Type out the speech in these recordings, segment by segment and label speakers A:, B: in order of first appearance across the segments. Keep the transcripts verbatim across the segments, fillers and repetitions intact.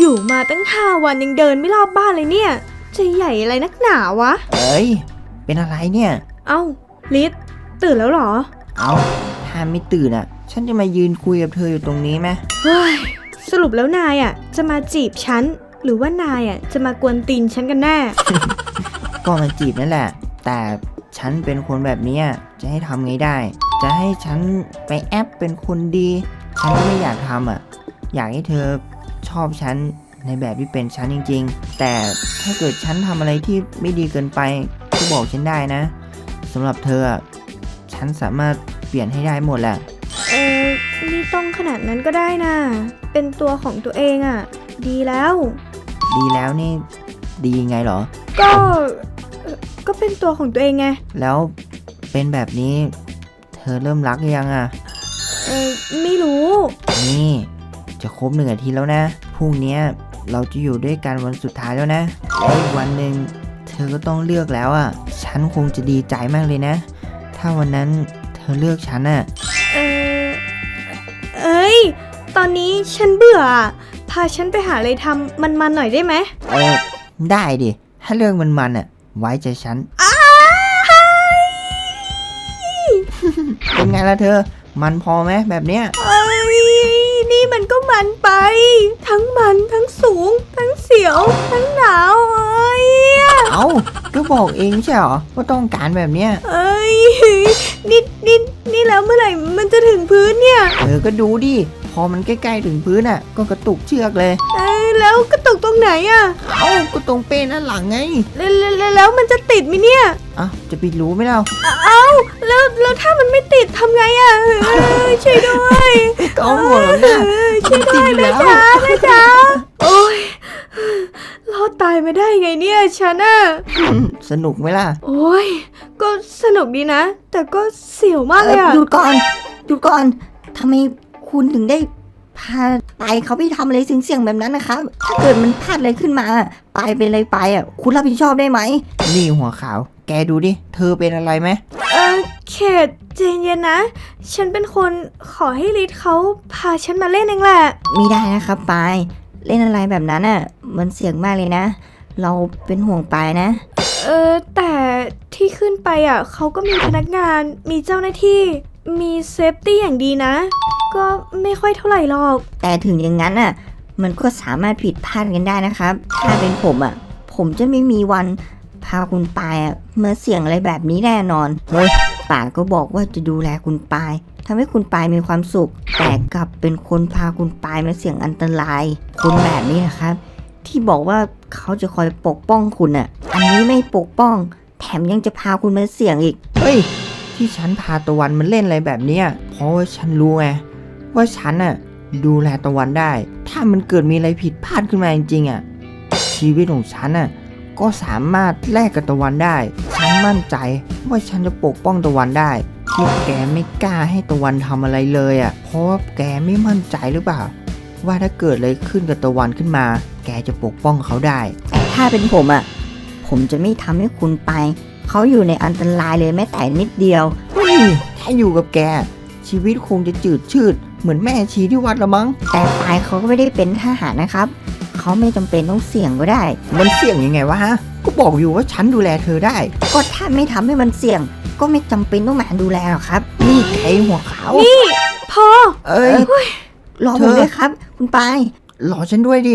A: อยู่มาตั้งห้าวันยังเดินไม่รอบบ้านเลยเนี่ยจะใหญ่อะไรนักหนาวะ
B: เอ้ยเป็นอะไรเนี่ย
A: เอ้าลิศตื่นแล้วเหรอ
B: เอ้าถ้าไม่ตื่นอ่ะฉันจะมายืนคุยกับเธออยู่ตรงนี้ไหม
A: เฮ้ยสรุปแล้วนายอ่ะจะมาจีบฉันหรือว่านายอ่ะจะมากวนตีนฉันกันแน่
B: ก็มาจีบนั่นแหละแต่ฉันเป็นคนแบบนี้จะให้ทำไงได้จะให้ฉันไปแอปเป็นคนดีฉันก็ไม่อยากทำอ่ะอยากให้เธอชอบฉันในแบบที่เป็นฉันจริงๆแต่ถ้าเกิดฉันทำอะไรที่ไม่ดีเกินไปก็บอกฉันได้นะสำหรับเธอฉันสามารถเปลี่ยนให้ได้หมดแหละ
A: เออไม่ต้องขนาดนั้นก็ได้นะเป็นตัวของตัวเองอ่ะดีแล้ว
B: ดีแล้วนี่ดียังไงเหรอ
A: ก็ก็เป็นตัวของตัวเองไง
B: แล้วเป็นแบบนี้เธอเริ่มรักยังอ่ะ
A: เออไม่รู้
B: นี่จะครบหนึ่งอาทิตย์แล้วนะพรุ่งนี้เราจะอยู่ด้วยกันวันสุดท้ายแล้วนะและอีกวันหนึ่งเธอก็ต้องเลือกแล้วอ่ะฉันคงจะดีใจมากเลยนะถ้าวันนั้นเธอเลือกฉันอ่ะ
A: เออเอ้ยตอนนี้ฉันเบื่อพาฉันไปหาอะไรทำมันๆหน่อยได้ไหม
B: เออได้ดิถ้าเรื่องมันๆอ่ะไว้ใจฉันเป็นไงล่ะเธอมันพอไหมแบบเนี้ย
A: เอ้ยนี่มันก็มันไปทั้งมันทั้งสูงทั้งเสียวทั้งหนาวเอ้ย
B: เอ้าก็บอกเองใช่หรอว่าต้องการแบบเนี้ย
A: เอ้ยนี่นี่นี่แล้วเมื่อไหร่มันจะถึงพื้นเนี่ย
B: เออก็ดูดิพอมันใกล้ๆถึงพื้นอ่ะก็กระตุกเชือกเลย
A: เอ้ยแล้วกระตุกตรงไหนอ่ะ
B: เอ้าก็ตรงเป้นั่นหลังไง
A: แล้วแล้วแล้วมันจะติดไหมเนี่ย
B: อ่ะจะไปรู้ไหมเรา
A: เอ้าแล้วแล้วถ้ามันไม่ติดทำไงอ่ะช่วยด้วย
B: ก็หมดแล้วนะ
A: ช่วยด้วยนะจ๊ะนะจ๊ะโอ้ยรอดตายไม่ได้ไงเนี่ยฉันอ่ะ
B: สนุกไหมล่ะ
A: โอ้ยก็สนุกดีนะแต่ก็เสียวมากเลยอ่ะ
C: หยุดก่อนหยุดก่อนทำไมคุณถึงได้พาไปเขาไปทำอะไรเสี่ยงๆแบบนั้นนะครับถ้าเกิดมันพลาดอะไรขึ้นมาไปเป็นอะไรไปอ่ะคุณรับผิดชอบได้ไหม
B: นี่หัวขาวแกดูดิเธอเป็นอะไรไหม
A: เออเขตใจเย็นนะฉันเป็นคนขอให้ลิศเขาพาฉันมาเล่นเองแหละ
C: ไม่ได้นะครับปายเล่นอะไรแบบนั้นอ่ะมันเสี่ยงมากเลยนะเราเป็นห่วงปายนะ
A: เออแต่ที่ขึ้นไปอ่ะเขาก็มีพนักงานมีเจ้าหน้าที่มีเซฟตี้อย่างดีนะก็ไม่ค่อยเท่าไหร่หรอก
C: แต่ถึงอย่างนั้นอ่ะมันก็สามารถผิดพลาดกันได้นะครับถ้าเป็นผมอ่ะผมจะไม่มีวันพาคุณปายอ่ะมาเสี่ยงอะไรแบบนี้แน่นอนเฮ้ยป่าก็บอกว่าจะดูแลคุณปายทำให้คุณปายมีความสุขแต่กลับเป็นคนพาคุณปายมาเสี่ยงอันตรายคนแบบนี้นะครับที่บอกว่าเขาจะคอยปกป้องคุณอ่ะอันนี้ไม่ปกป้องแถมยังจะพาคุณมาเสี่ยงอีก
B: เฮ้ยที่ฉันพาตะวันมันเล่นอะไรแบบนี้เพราะว่าฉันรู้ไงว่าฉันน่ะดูแลตะวันได้ถ้ามันเกิดมีอะไรผิดพลาดขึ้นมาจริงๆอ่ะชีวิตของฉันน่ะก็สามารถแลกกับตะวันได้ฉันมั่นใจว่าฉันจะปกป้องตะวันได้ที่แกไม่กล้าให้ตะวันทำอะไรเลยอ่ะเพราะว่าแกไม่มั่นใจหรือเปล่าว่าถ้าเกิดอะไรขึ้นกับตะวันขึ้นมาแกจะปกป้องเขาได้
C: แต่ถ้าเป็นผมอ่ะผมจะไม่ทำให้คุณไปเขาอยู่ในอันตรายเลยแม้แต่นิดเดียว
B: เฮ้ยถ้าอยู่กับแกชีวิตคงจะจืดชืดเหมือนแม่ชีที่วัดละมั้ง
C: แต่ปายเขาก็ไม่ได้เป็นทหารนะครับเขาไม่จำเป็นต้องเสี่ยงก็ได้
B: มันเสี่ยงยังไงวะฮะก็บอกอยู่ว่าฉันดูแลเธอได้
C: ก็ถ้าไม่ทำให้มันเสี่ยงก็ไม่จำเป็นต้องมาดูแลหรอกครับ
B: นี่ไอ้หัวขาว
A: นี่พอ
B: เอ้ย
C: รอผมด้วยครับคุณปาย
B: รอฉันด้วยดิ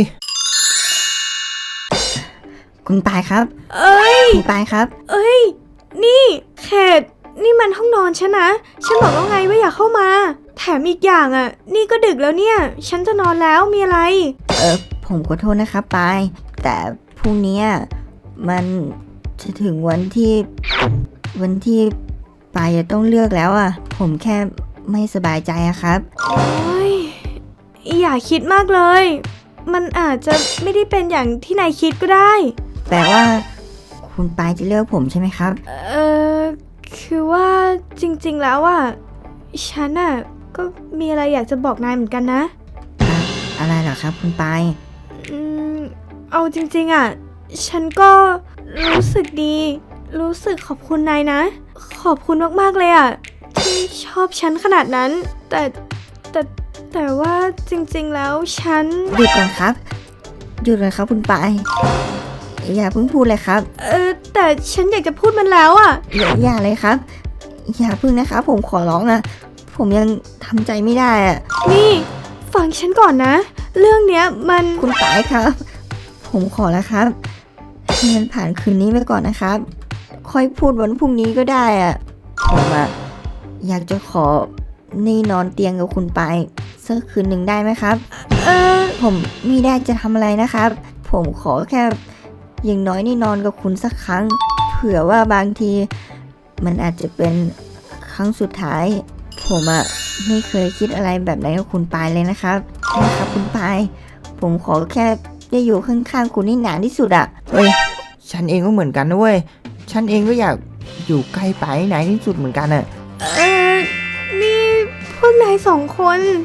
C: คุณปายครับ
A: เอ้ย
C: คุณปายครับ
A: เอ้ยนี่เขตนี่มันห้องนอนฉันนะฉันบอกแล้วไงว่าอย่าเข้ามาแถมอีกอย่างอ่ะนี่ก็ดึกแล้วเนี่ยฉันจะนอนแล้วมีอะไร
C: เออผมขอโทษนะครับปายแต่พรุ่งนี้มันจะถึงวันที่วันที่ปายจะต้องเลือกแล้วอ่ะผมแค่ไม่สบายใจอะครับ
A: โอ้ยอย่าคิดมากเลยมันอาจจะไม่ได้เป็นอย่างที่นายคิดก็ได้
C: แปลว่าคุณปายจะเลือกผมใช่ไหมครับ
A: เออคือว่าจริงๆแล้วอ่ะฉันอ่ะก็มีอะไรอยากจะบอกนายเหมือนกันนะ
C: อะอะไรเหรอครับคุณปาย
A: อืมเอาจริงๆอ่ะฉันก็รู้สึกดีรู้สึกขอบคุณนายนะขอบคุณมากๆเลยอ่ะที่ชอบฉันขนาดนั้นแต่แต่แต่ว่าจริงๆแล้วฉัน
C: หยุดก่อนครับหยุดเลยครับคุณปายอย่าเพิ่งพูดเลยครับ
A: เออแต่ฉันอยากจะพูดมันแล้วอ่ะ
C: อย่าอย่าเลยครับ อย่าเพิ่งนะครับผมขอร้องอะผมยังทำใจไม่ได้อะ
A: นี่ฟังฉันก่อนนะ เรื่องเนี้ยมัน
C: คุณปายครับ ผมขอแล้วครับให้มันผ่านคืนนี้ไปก่อนนะครับ ค่อยพูดวันพรุ่งนี้ก็ได้อะผมอะอยากจะขอนี่นอนเตียงกับคุณปายสักคืนหนึ่งได้ไหมครับ
A: เออ
C: ผมไม่ได้จะทำอะไรนะครับ ผมขอแค่อย่างน้อยนี่นอนกับคุณสักครั้ง เผื่อว่าบางที มันอาจจะเป็นครั้งสุดท้าย ผมอะไม่เคยคิดอะไรแบบไหนกับคุณปายเลยนะครับนะครับคุณปาย ผมขอแค่ได้อยู่ข้างๆคุณให้นานที่สุดอะ
B: เฮ้ย ฉันเองก็เหมือนกันนะเว้ย ฉันเองก็อยากอยู่ใกล้ไปไหนที่สุดเหมือนกันอะ
A: เออนี่พวกนายสองคน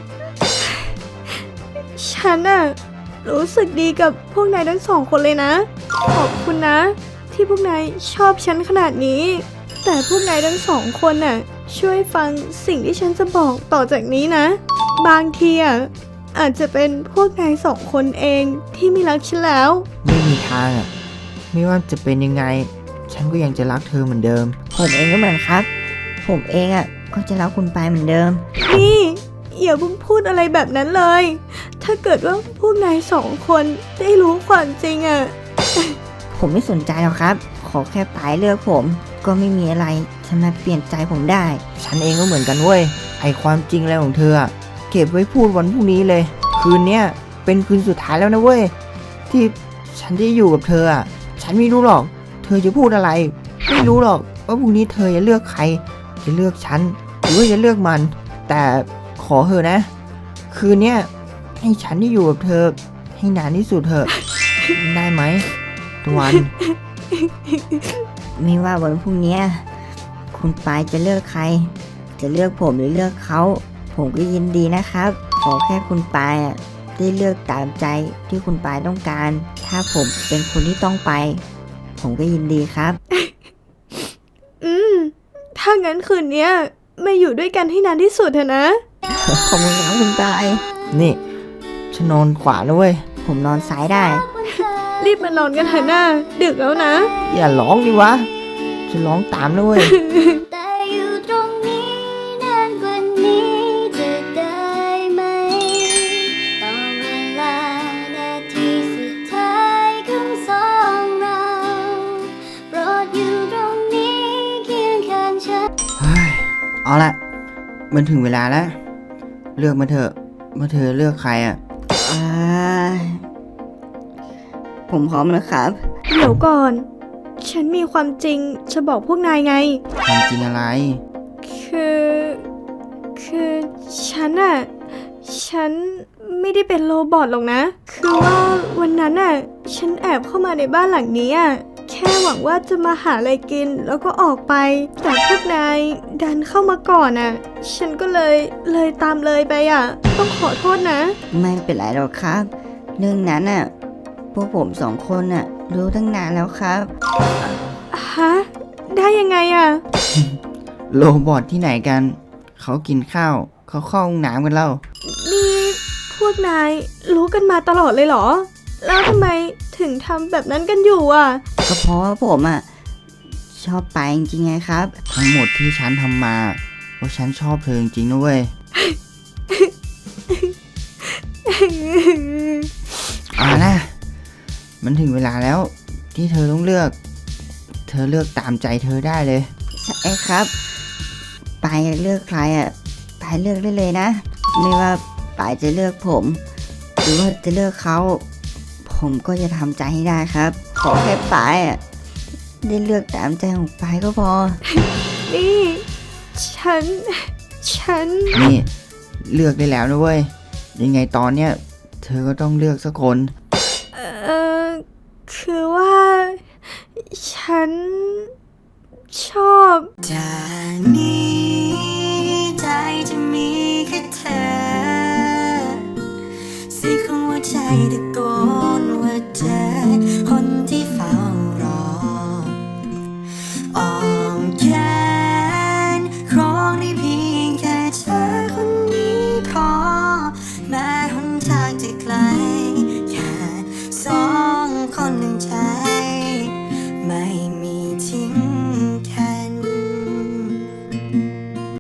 A: ฉันอะรู้สึกดีกับพวกนายทั้งสองคนเลยนะ ขอบคุณนะ ที่พวกนายชอบฉันขนาดนี้ แต่พวกนายทั้งสองคนน่ะช่วยฟังสิ่งที่ฉันจะบอกต่อจากนี้นะ บางทีอ่ะอาจจะเป็นพวกนายสองคนเองที่ไม่รักฉันแล้ว
B: ไม่มีทางอะไม่ว่าจะเป็นยังไง ฉันก็ยังจะรักเธอเหมือนเดิม
C: ผมเองก็เหมือนครับ ผมเองอะก็จะรักคุณปายเหมือนเดิม
A: นี่อย่าเพิ่งพูดอะไรแบบนั้นเลย ถ้าเกิดว่าพวกนายสองคนได้รู้ความจริงอ่ะ
C: ผมไม่สนใจหรอกครับ ขอแค่ปายเลือกผม ก็ไม่มีอะไรจะมาเปลี่ยนใจผมได้
B: ฉันเองก็เหมือนกันเว้ย ไอความจริงอะไรของเธออะเก็บไว้พูดวันพรุ่งนี้เลย คืนเนี้ยเป็นคืนสุดท้ายแล้วนะเว้ย ที่ฉันจะอยู่กับเธออะฉันไม่รู้หรอก เธอจะพูดอะไร ไม่รู้หรอกว่าพรุ่งนี้เธอจะเลือกใคร จะเลือกฉันหรือว่าจะเลือกมัน แต่ขอเถอะนะ คืนเนี้ยให้ฉันได้อยู่กับเธอให้นานที่สุดเถอะ ได้ไหมตะวัน
C: ไม่ว่าวันพรุ่งนี้คุณปายจะเลือกใคร จะเลือกผมหรือเลือกเขา ผมก็ยินดีนะครับ ขอแค่คุณปายอะได้เลือกตามใจที่คุณปายต้องการ ถ้าผมเป็นคนที่ต้องไป ผมก็ยินดีครับ
A: อืม ถ้างั้นคืนเนี้ยมาอยู่ด้วยกันให้นานที่สุดเถอะนะ
C: ขอบคุณครับคุณปาย
B: นี่ฉันนอนขวาแล้วเว้ย
C: ผมนอนซ้ายได้
A: รีบมานอนกันเถอะนะดึกแล้วนะ
B: อย่าร้องดิวะฉันร้องตามแล้วเว้ย
D: แต่อยู่ตรงนี้นานกว่านี้จะได้ไหมต่อเวลานาทีสุดท้ายของสองเราโปรดอยู่ตรงนี้เคียงข้างฉัน
B: เฮ้ยเอาละมันถึงเวลาแล้ว เลือกมาเถอะว่าเธอเลือกใครอ่ะ
C: อ่า ผมพร้อมแล้วครับ
A: เดี๋ยวก่อน ฉันมีความจริงจะบอกพวกนายไง
B: ความจริงอะไร
A: คือ คือฉันอะฉันไม่ได้เป็นโรบอทหรอกนะ คือว่าวันนั้นอะฉันแอบเข้ามาในบ้านหลังนี้อะแค่หวังว่าจะมาหาอะไรกินแล้วก็ออกไป แต่พวกนายดันเข้ามาก่อนอะฉันก็เลยเลยตามเลยไปอะต้องขอโทษนะ
C: ไม่เป็นไรหรอกครับ เรื่องนั้นน่ะ พวกผมสองคนน่ะ รู้ตั้งนานแล้วครับ
A: ฮะ ได้ยังไงอะ
B: โรบอทที่ไหนกัน เขากินข้าว เขาเข้าห้องน้ำกันแล้ว
A: นี่พวกนายรู้กันมาตลอดเลยเหรอ แล้วทำไมถึงทำแบบนั้นกันอยู่อ่ะ
C: ก็เพราะว่าผมอ่ะ ชอบไปจริงๆไงครับ
B: ทั้งหมดที่ฉันทำมาเพราะฉันชอบเธอจริงๆนะเว้ย เอานะ มันถึงเวลาแล้ว ที่เธอต้องเลือก เธอเลือกตามใจเธอได้เลย
C: ใช่ครับปายอยากเลือกใครอ่ะปายเลือกได้เลยนะ ไม่ว่าปายจะเลือกผม หรือว่าจะเลือกเขา ผมก็จะทำใจให้ได้ครับ ขอแค่ปายอ่ะได้เลือกตามใจของปายก็พอ
A: นี่ ฉัน ฉัน
B: นี่ เลือกได้แล้วนะเว้ย ยังไงตอนเนี้ยเธอก็ต้องเลือกสักคน
A: เออคือว่า ฉัน ชอบ
E: จากนี้ใจจะมีแค่เธอเสียงของหัวใจตะโกนว่าเจอคนที่เฝ้ารออ้อมแขนครองได้เพียงแค่เธอคนนี้พอแม้หนทางจะไกลแค่สอไม่มี